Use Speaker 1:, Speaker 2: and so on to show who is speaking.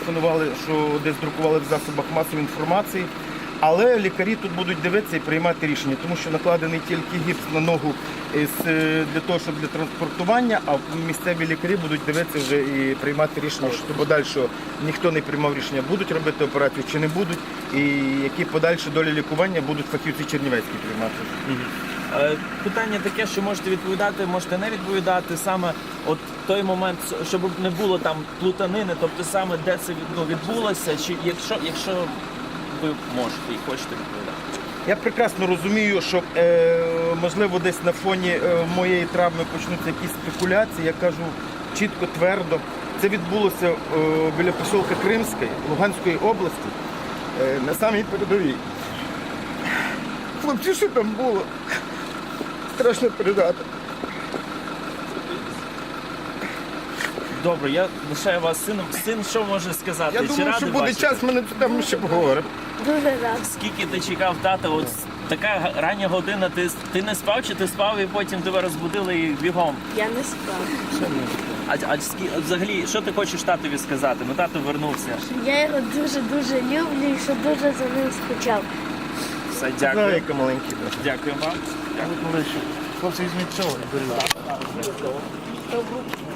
Speaker 1: телефонували, що десь друкували в засобах масової інформації. Але лікарі тут будуть дивитися і приймати рішення, тому що накладений тільки гіпс на ногу для того, щоб для транспортування, а місцеві лікарі будуть дивитися вже і приймати рішення, що подальшого ніхто не приймав рішення, будуть робити операцію чи не будуть, і які подальші долі лікування будуть фахівці чернівецькі приймати.
Speaker 2: Питання таке, що можете відповідати, можете не відповідати. Саме от той момент, щоб не було там плутанини, тобто саме де це відбулося, чи якщо ви можете і хочете відповідати.
Speaker 1: Я прекрасно розумію, що можливо десь на фоні моєї травми почнуться якісь спекуляції. Я кажу чітко, твердо. Це відбулося біля поселка Кримської, Луганської області, на самій передовій. Хлопці, що там було? Страшно передати.
Speaker 2: Добре, я лишаю вас сином. Син що може сказати?
Speaker 1: Я думаю, що буде час, ми на цю тему ще поговоримо.
Speaker 3: Дуже рад.
Speaker 2: Скільки ти чекав тата? От така рання година, ти не спав чи ти спав і потім тебе розбудили і бігом?
Speaker 3: Я не спав.
Speaker 2: А взагалі, що ти хочеш татові сказати? Ну тато вернувся.
Speaker 3: Я його дуже-дуже люблю і що дуже за ним скучав.
Speaker 2: Все, дякую.
Speaker 1: Зайка маленький.
Speaker 2: Дякую вам.
Speaker 1: Хлопці, візьміть цього і беріть.